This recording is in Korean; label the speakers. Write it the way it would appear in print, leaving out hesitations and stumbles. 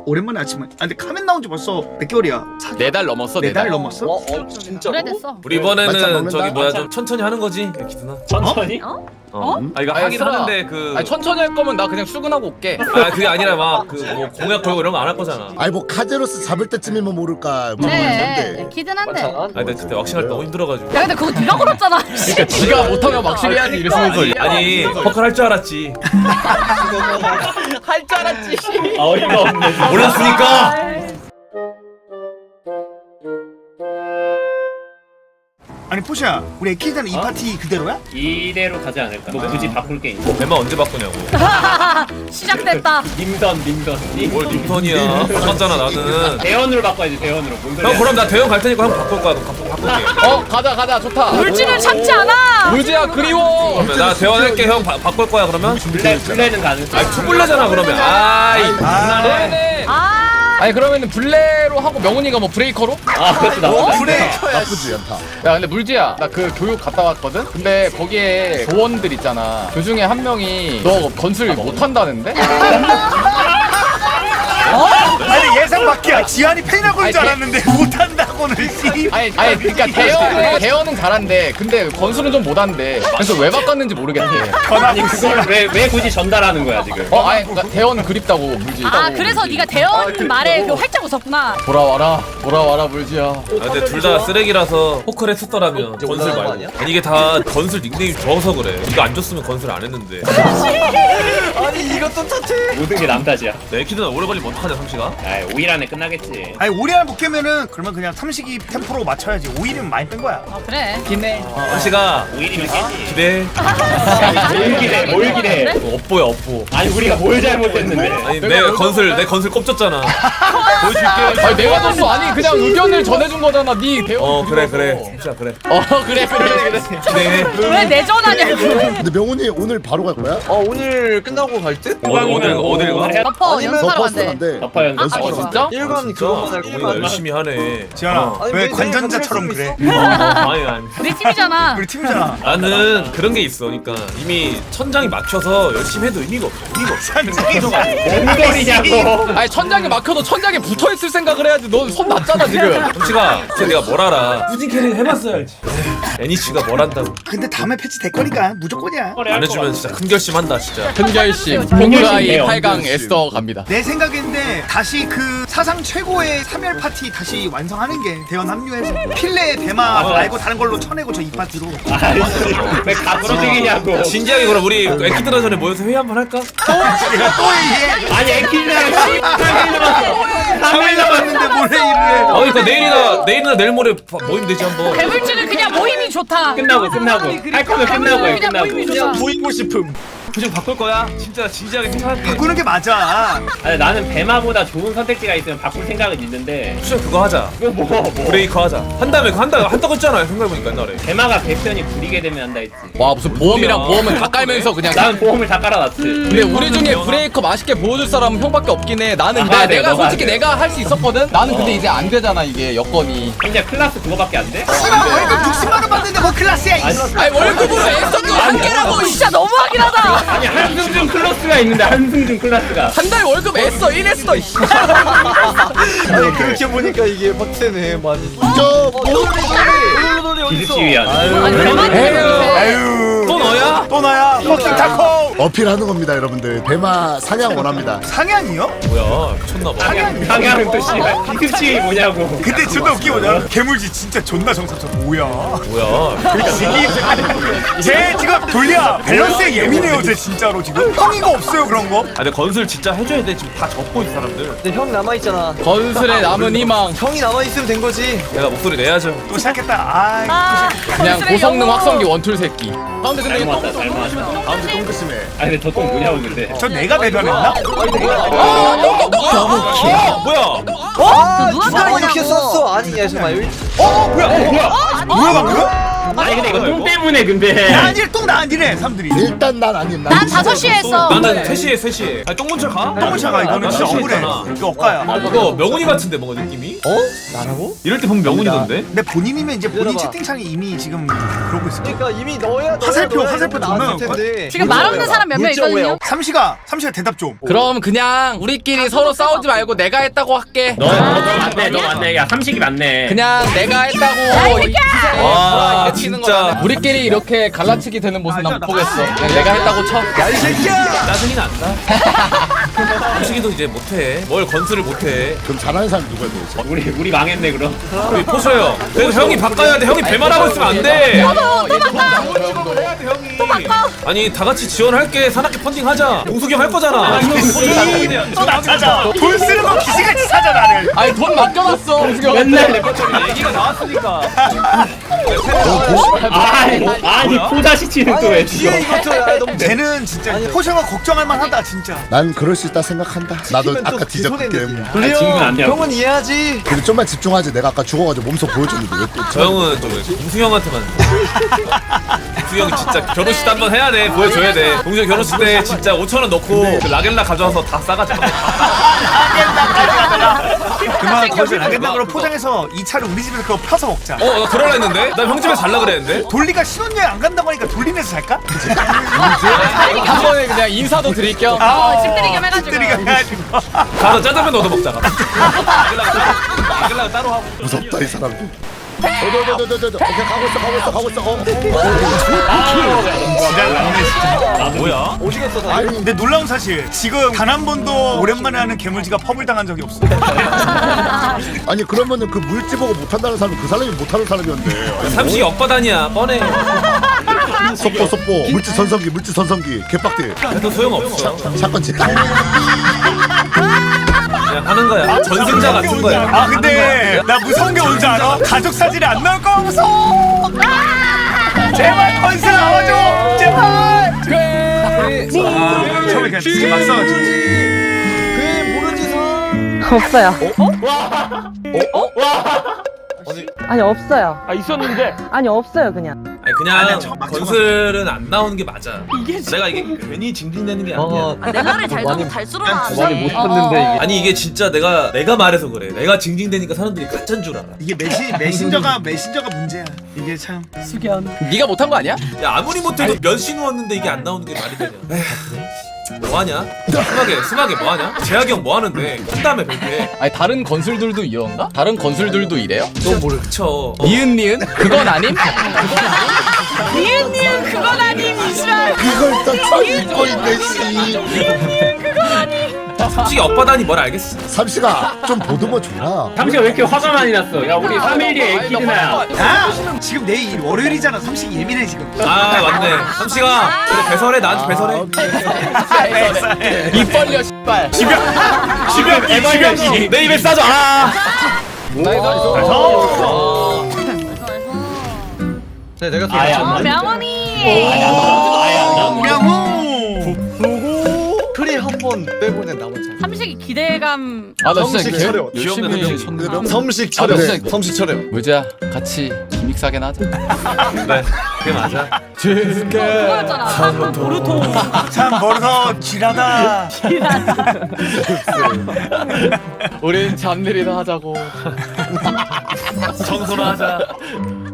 Speaker 1: 오랜만에 아침에. 아 근데 카멘 나온 지 벌써 몇 개월이야?
Speaker 2: 4달 넘었어.
Speaker 1: 4달 넘었어?
Speaker 3: 진짜
Speaker 4: 오래됐어.
Speaker 5: 우리
Speaker 6: 맞짱
Speaker 5: 이번에는
Speaker 6: 먹는다?
Speaker 5: 저기 뭐야 좀 천천히 하는 거지 기준아.
Speaker 3: 천천히?
Speaker 5: 아 이거
Speaker 2: 아니,
Speaker 5: 하긴
Speaker 2: 슬아.
Speaker 5: 하는데 그
Speaker 2: 아니 천천히 할 거면 나 그냥 출근하고 올게.
Speaker 5: 아 그게 아니라 막 그 뭐 공약 걸고 이런 거 안 할 거잖아.
Speaker 6: 아니 뭐 카제로스 잡을 때쯤이면 모를까
Speaker 4: 그래.
Speaker 6: 모르겠는데
Speaker 4: 키든 한데.
Speaker 5: 아 근데 그때 왁싱할 때 너무 힘들어가지고.
Speaker 4: 야 근데 그거 네가 걸었잖아.
Speaker 2: 지가 못하면 막실히 해야지 이랬으면서.
Speaker 5: 아니 퍼클 할 줄 알았지.
Speaker 2: 할 줄 알았지.
Speaker 3: 어이가 없네.
Speaker 5: 몰랐으니까.
Speaker 1: 아니 포시야, 우리 에키드는 이 파티 그대로야?
Speaker 3: 이대로 가지 않을까? 뭐 굳이 바꿀 게 있나?
Speaker 5: 배만 언제 바꾸냐고.
Speaker 4: 시작됐다.
Speaker 3: 님던.
Speaker 5: 뭘 림턴이야. 바꿨잖아 나는.
Speaker 3: 대원으로 바꿔야지, 대원으로. 뭔 소리야?
Speaker 5: 형 그럼 나 대형 갈 테니까 형 바꿀 거야. 바꿀게.
Speaker 2: 가자 좋다.
Speaker 4: 물질을 참지 않아.
Speaker 2: 물지야 그리워.
Speaker 5: 그러면 나 대원 할게. 형 바꿀 거야 그러면.
Speaker 3: 블레는 가능성.
Speaker 5: 아 투블레잖아 그러면. 아이.
Speaker 2: 그러면은 아니 그러면은 블레로 하고 명훈이가 뭐 브레이커로?
Speaker 3: 아, 그것도 나쁘다.
Speaker 6: 나쁘지 않다.
Speaker 2: 야 근데 물지야 나 그 교육 갔다 왔거든? 근데 거기에 조원들 있잖아 그 중에 한 명이 너 건술 못한다는데?
Speaker 1: 아니 예상 밖이야. 지한이 팬이라 그럴 줄
Speaker 2: 아니,
Speaker 1: 알았는데 못한다고는 씨.
Speaker 2: 아니 그니까 대현은 잘한대 근데 건술은 좀 못한대 그래서 왜 바꿨는지 모르겠대.
Speaker 3: 아니, 그걸 왜 굳이 전달하는 거야, 지금?
Speaker 2: 아니 그러니까 대현은 그립다고 물지.
Speaker 4: 아 그래서 네가 대원 말에 그 활짝 웃었구나.
Speaker 2: 돌아와라 물지야.
Speaker 5: 아, 근데 둘 다 쓰레기라서 포크를 했었더라면 건술 말고. 아니 이게 다 건술 닉네임이 좋아서 그래. 이거 안 줬으면 건술 안 했는데.
Speaker 3: 모든 게 남 탓이야.
Speaker 5: 내 키드는 오래 걸리면 어떡하냐 삼시가?
Speaker 3: 아, 5일 안에 끝나겠지.
Speaker 1: 아니 오리 안에 못 깨면은 그러면 그냥 삼식이 템포로 맞춰야지. 5일이면 많이 뺀 거야.
Speaker 4: 아 그래.
Speaker 2: 기네.
Speaker 5: 삼시가
Speaker 3: 5일이면 깨지.
Speaker 5: 기대.
Speaker 3: 뭘 기대?
Speaker 5: 업보야 업보.
Speaker 3: 아니, 우리가 뭘 잘못했는데?
Speaker 5: 아니 내 건술 꼽졌잖아. 보여줄게.
Speaker 2: 아니 내가 줬어. 아니 그냥 의견을 전해준 거잖아. 네 대현.
Speaker 5: 그래 삼시야 그래.
Speaker 2: 그래.
Speaker 5: 기대해.
Speaker 4: 왜 내전하냐고.
Speaker 6: 근데 명훈이 오늘 바로 갈 거야?
Speaker 7: 오늘 끝나고 갈 듯?
Speaker 5: 어딜 가?
Speaker 4: 덮어 연습하러
Speaker 6: 버스
Speaker 4: 간대.
Speaker 6: 간대.
Speaker 3: 덮어 연습.
Speaker 4: 아,
Speaker 2: 진짜?
Speaker 7: 1관 그거만 할
Speaker 5: 진짜
Speaker 7: 거야.
Speaker 5: 열심히 하네.
Speaker 1: 지한아
Speaker 7: 아니,
Speaker 1: 왜
Speaker 7: 왜
Speaker 1: 관전자처럼
Speaker 7: 내가
Speaker 1: 그래?
Speaker 5: 아니.
Speaker 4: 우리 팀이잖아.
Speaker 1: 우리 팀이잖아.
Speaker 5: 나는 그런 게 있어. 그러니까 이미 천장이 막혀서 열심히 해도 의미가 없어.
Speaker 1: 산책이
Speaker 3: 뭔 소리냐고.
Speaker 2: 아니 천장에 막혀도 천장에 붙어 있을 생각을 해야지. 넌 손 낮잖아 지금.
Speaker 5: 삼시가 내가 뭘 알아? 꾸진 캐릭 해봤어야지. 애니치가 뭘 한다고?
Speaker 1: 근데 다음에 패치 될 거니까 무조건이야.
Speaker 5: 안 해주면 진짜 큰 결심한다 진짜.
Speaker 2: 큰 결심.
Speaker 3: 결심이에요.
Speaker 2: 홍가이 8강 에스더 갑니다.
Speaker 1: 내 생각인데 다시 그 사상 최고의 3열 파티 다시 완성하는 게 대원 합류해서 필레 대마 말고 다른 걸로 쳐내고 저 이 파티로.
Speaker 3: 아이씨, 왜 가부러지기냐고.
Speaker 5: 진지하게 그럼 우리 애기들 전에 모여서 회의 한번 할까?
Speaker 1: 또 얘기해.
Speaker 3: 아니, 애키랑 3일
Speaker 1: 남았는데 뭘 회의를 해.
Speaker 5: 그러니까 내일이나 내일 모레 모임 되지 한번.
Speaker 4: 배불지는 그냥 모임이 좋다.
Speaker 3: 끝나고. 할 거면 끝나고 해,
Speaker 4: 그냥
Speaker 3: 끝나고.
Speaker 4: 모임이 좋다.
Speaker 7: 보이고 싶음.
Speaker 5: 표정 바꿀 거야? 진짜 진지하게 생각할게.
Speaker 1: 바꾸는 게 맞아.
Speaker 3: 아니, 나는 배마보다 좋은 선택지가 있으면 바꿀 생각은 있는데.
Speaker 5: 수정 그거 하자.
Speaker 3: 이거 뭐.
Speaker 5: 브레이커 하자. 한다음에 그거 한다고 했잖아. 생각해보니까 옛날에.
Speaker 3: 배마가 배편이 부리게 되면 한다 했지.
Speaker 2: 와 무슨 보험이랑 보험은 다 깔면서 그냥.
Speaker 3: 나는 보험을 다 깔아놨지.
Speaker 2: 근데 우리 중에 브레이커 맛있게 보여줄 사람은 형밖에 없긴 해. 나는 근데 내가
Speaker 3: 너가
Speaker 2: 솔직히
Speaker 3: 안 돼.
Speaker 2: 내가 할 수 있었거든. 나는 근데 이제 안 되잖아 이게 여건이.
Speaker 3: 현재 클라스 그거밖에 안 돼?
Speaker 1: 씨발 월급 60만 원 받는데 뭐 클라스야 이.
Speaker 2: 아니 월급으로 에스더도 한 개라고.
Speaker 4: 진짜 너무하긴 하다.
Speaker 3: 아니, 한승준 클래스가 있는데, 한승준 클래스가.
Speaker 2: 한 달 월급 에스더 1 에스더.
Speaker 7: 아니 그렇게 보니까 이게 빡세네 많이.
Speaker 6: 저
Speaker 3: 기습지휘한.
Speaker 4: 아니 대만이.
Speaker 1: 아유.
Speaker 5: 또 너야?
Speaker 1: 또 나야. 복싱 타코.
Speaker 6: 어필하는 겁니다 여러분들. 대마 사냥 원합니다.
Speaker 1: 상향이요?
Speaker 5: 뭐야 미쳤나봐.
Speaker 3: 상향은 또 씨발. 기습지휘 뭐냐고.
Speaker 1: 근데 존나 웃기 뭐냐? 괴물지 진짜 존나 정상적. 뭐야?
Speaker 5: 뭐야?
Speaker 1: 쟤 지금 돌려 밸런스에 예민해요. 쟤 진짜로 지금. 형이가 없어요 그런 거?
Speaker 5: 아 근데 건술 진짜 해줘야 돼. 지금 다 접고 있어 사람들.
Speaker 7: 근데 형 남아있잖아.
Speaker 2: 건술의 남은 희망.
Speaker 7: 형이 남아있으면 된 거지.
Speaker 5: 내가 목소리 내야죠.
Speaker 1: 또 시작했다. 아이.
Speaker 4: 아,
Speaker 2: 그냥
Speaker 4: 건슬의
Speaker 2: 고성능
Speaker 4: 영웅.
Speaker 2: 확성기 원툴 새끼. 가운데 근데
Speaker 3: 잘
Speaker 2: 이거
Speaker 3: 모았다, 잘 모았다.
Speaker 6: 다음부터 똥그심해.
Speaker 3: 아니, 근데 저똥 뭐냐고, 근데.
Speaker 1: 저 내가 대변했나?
Speaker 5: 뭐야?
Speaker 7: 아
Speaker 4: 누가
Speaker 7: 누가
Speaker 4: 뭐냐고.
Speaker 7: 이렇게 썼어? 아니 야 잠깐만.
Speaker 1: 뭐야 방금?
Speaker 3: 아니 근데 이거 똥 때문에 근데.
Speaker 1: 나 아니래 똥나 아니래 사람들이.
Speaker 6: 일단 난 아님.
Speaker 4: 난 5시에 했어.
Speaker 5: 나는 3시에. 아니 똥문철 가?
Speaker 1: 똥차가 이거는 진짜 억울해.
Speaker 5: 있잖아.
Speaker 1: 이거 억가야.
Speaker 5: 이거 명훈이 같은데 뭔가 느낌이?
Speaker 7: 나라고?
Speaker 5: 이럴 때 보면 명훈이던데?
Speaker 1: 근데 본인이면 이제 본인
Speaker 7: 기다려봐.
Speaker 1: 채팅창이 이미 지금 그러고 있을 거야.
Speaker 7: 그러니까 이미 넣어야
Speaker 1: 화살표
Speaker 7: 나왔을
Speaker 1: 넣으면
Speaker 7: 텐데.
Speaker 4: 지금 말 없는 사람 몇 명 있거든요.
Speaker 1: 삼시가 대답 좀.
Speaker 2: 그럼 그냥 우리끼리 서로 싸우지 말고 내가 했다고 할게.
Speaker 3: 너 맞네 너 맞네. 야 삼식이 맞네.
Speaker 2: 그냥 내가 했다고 이 기사에
Speaker 5: 와,
Speaker 2: 불화 치는
Speaker 5: 진짜.
Speaker 2: 거잖아. 우리끼리 이렇게 갈라치기 되는 모습 난 못 보겠어. 그냥 내가 했다고 쳐.
Speaker 1: 야 이 새끼야.
Speaker 5: 짜증이 난다. 삼식이도 이제 못해. 뭘 건수를 못해.
Speaker 6: 그럼 잘하는 사람 누구야 도대체?
Speaker 3: 우리 망했네 그럼.
Speaker 5: 우리 포셔요. 그래서 형이 바꿔야 돼. 형이 배말하고 있으면 안 돼. 해야 돼 형이. 아니 다 같이 지원할게. 산악회 펀딩하자. 용숙이 형 할 거잖아.
Speaker 1: 또나 찾아. 돈 쓰는 거 기시같이 사자 나를.
Speaker 2: 아니 돈 맡겨놨어.
Speaker 3: 맨날 레퍼토리
Speaker 5: 얘기가 나왔으니까.
Speaker 3: 아니 포자시 치는 또왜
Speaker 7: 뒤에 이것도 야 너무
Speaker 1: 쟤는 진짜 포셔가 걱정할 만하다 진짜.
Speaker 6: 난 그럴 수 있다 생각한다. 나도
Speaker 7: 시키면 또
Speaker 6: 아까 뒤졌기
Speaker 7: 뒤집어내는데.
Speaker 6: 때문에.
Speaker 3: 아, 친구는 안 돼요.
Speaker 7: 형은 이해하지.
Speaker 6: 근데 좀만 집중하지. 내가 아까 죽어가지고 몸소 보여줬는데 왜 또?
Speaker 5: 저 형은 좀 공수 형한테만. 공수 형 진짜 결혼식 때 한번 해야 돼. 보여줘야 돼. 공수 형 결혼식 때 진짜 5,000원 넣고 그 라겔라 가져와서 다 싸가자.
Speaker 1: 그만 거기서 라겐당으로 포장해서 이 차를 우리 집에서 그거 펴서 먹자.
Speaker 5: 나 그러려 했는데? 나 형 집에 살라 그랬는데?
Speaker 1: 돌리가 신혼여행 안 간다고 하니까 돌리면서 살까?
Speaker 2: 한 번에 그냥 인사도 드릴 겸.
Speaker 4: 집들이 겸 해가지고.
Speaker 1: 집들이가 해가지고.
Speaker 5: 가서 짜장면 얻어 먹자. 라겔라 따로 하고.
Speaker 6: 무섭다 이 사람들. 오케이 가고 있어.
Speaker 1: 지랄 났네 진짜.
Speaker 5: 아 뭐야?
Speaker 7: 오시겠어 다.
Speaker 6: 아니
Speaker 1: 근데 놀라운 사실 지금 단 한 번도 오랜만에 하는 괴물지가 펍을 당한 적이 없어.
Speaker 6: 아니 그러면은 그 물지 보고 못한다는 사람은 그 사람이 못하는 사람이었네.
Speaker 5: 삼식이 억바다니야 뻔해.
Speaker 6: 속보 물지 선성기 개빡대
Speaker 5: 그래도 소용없어.
Speaker 6: 사건지.
Speaker 5: 그냥 하는 거야. 전승자 같은 거야.
Speaker 1: 아 근데 나 무서운 게 뭔지 알아? 가족 사진이 안 나올 거 무서워. 제발 건슬 나와줘. 제발. 처음에 그냥 진짜 막 싸워줘.
Speaker 7: 그 모르지 사.
Speaker 8: 없어요. 아니 없어요.
Speaker 3: 아 있었는데.
Speaker 8: 아니 없어요 그냥.
Speaker 5: 아니 그냥
Speaker 1: 아니야, 막
Speaker 5: 건슬은 안 나오는 게 맞아. 내가 이게 괜히 징징대는 게 아니야.
Speaker 4: 내 말을 잘 듣고 달수로나.
Speaker 7: 많이 못 쳤는데 이게.
Speaker 5: 아니 이게 진짜 내가 말해서 그래. 내가 징징대니까 사람들이 가짜인 줄 알아.
Speaker 1: 이게 메신저가 문제야. 이게 참.
Speaker 2: 네가 못한 거 아니야?
Speaker 5: 야 아무리 못해도 몇시 누웠는데 이게 안 나오는 게 말이 되냐. 에휴, 뭐하냐? 스마게 뭐하냐? 재학이 형 뭐하는데? 큰 다음에 뵐게.
Speaker 2: 아니 다른 건술들도 이런가? 다른 건술들도 이래요?
Speaker 5: 너 모르 그쵸.
Speaker 2: 니은 그건 아님?
Speaker 4: 니은 그건 아님 이수라.
Speaker 6: 그걸 또 잊고 있네 씨.
Speaker 5: 솔직히 억바다니 뭘 알겠어.
Speaker 6: 삼시가 좀 보듬어 줘라.
Speaker 3: 삼식아 왜 이렇게 화가 많이 났어? 야 우리 3일 뒤에 에이키드나야.
Speaker 1: 야 지금 내일 월요일이잖아. 삼식이 예민해 지금.
Speaker 5: 아 맞네. 삼시가 그래 배설해 나한테 배설해.
Speaker 2: 입 벌려 씨발.
Speaker 5: 지병이 내 입에 싸줘. 아.
Speaker 7: 네, 내가 또
Speaker 3: 아야.
Speaker 7: 맞췄네.
Speaker 4: 명언이.
Speaker 1: 명호.
Speaker 7: 크리 한 번 빼고는 나머지.
Speaker 4: 삼식이 기대감.
Speaker 2: 아나 진짜
Speaker 7: 성식
Speaker 2: 개-
Speaker 7: 차려.
Speaker 2: 열심히
Speaker 5: 귀엽네,
Speaker 2: 쳤는데.
Speaker 7: 섬식
Speaker 2: 아,
Speaker 7: 차려.
Speaker 2: 진짜.
Speaker 7: 섬식 차려.
Speaker 2: 의자 같이 기믹 사게 하자.
Speaker 5: 그래 그게 맞아.
Speaker 4: 그거였잖아. 보르토.
Speaker 1: 참 멀어서 지라다.
Speaker 2: 우린 잠들이나 하자고.
Speaker 5: 청소나 하자.